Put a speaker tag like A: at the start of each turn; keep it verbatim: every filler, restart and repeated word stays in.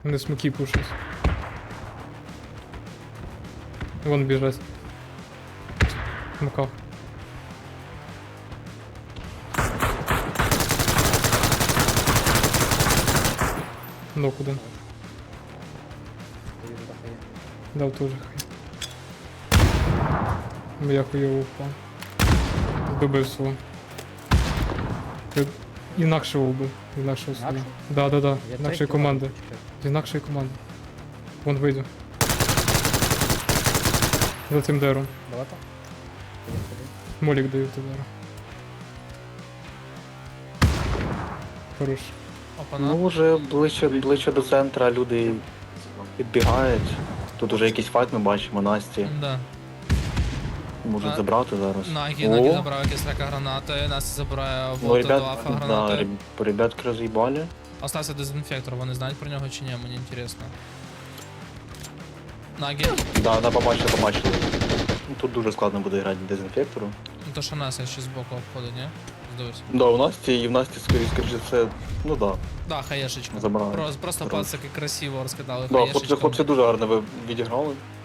A: Вони смоки пушать. Вон біжать. В смоках. Ну куди? Дав тоже хай. Ну я хуйово впав. Добив свого. Я інакшого вбив. Інакшого свого.
B: Інакшого?
A: Да, да, да.
B: Я
A: Інакшої
B: третій
A: команди.
B: ладно, почекай.
A: З інакшої команди. Вон вийду. За цим дером.
B: Далеко? Ходим, ходим.
A: Молік даю товару. Хорош.
C: Опана.
D: Ну, вже ближче, ближче до центра люди підбігають. Тут уже якийсь файт ми бачимо, Насті.
C: Да.
D: Можуть
C: А,
D: забрати зараз.
C: Нагі,
D: О,
C: Нагі забрав якісь рака гранати, Настя забирає
D: ну,
C: волта
D: ребят,
C: до афа
D: да,
C: гранати.
D: реб- ребятки роз'їбали.
C: Остався дезінфектор, вони знають про нього чи ні, мені інтересно. Нагі,
D: Да, да, побачили, побачили. Ну, тут дуже складно буде грати дезінфектору.
C: ну то що Настя ще збоку обходить, ні? Здивись.
D: Да, у Насті і в Насті, скоріше, скоріше, це, ну да.
C: Да, хаєшечка.
D: Забрали.
C: Просто, просто
D: Хорош.
C: пацики красиво розкидали
D: Да, хлопці,
C: хаєшечком.
D: хлопці дуже гарно ви відіграли.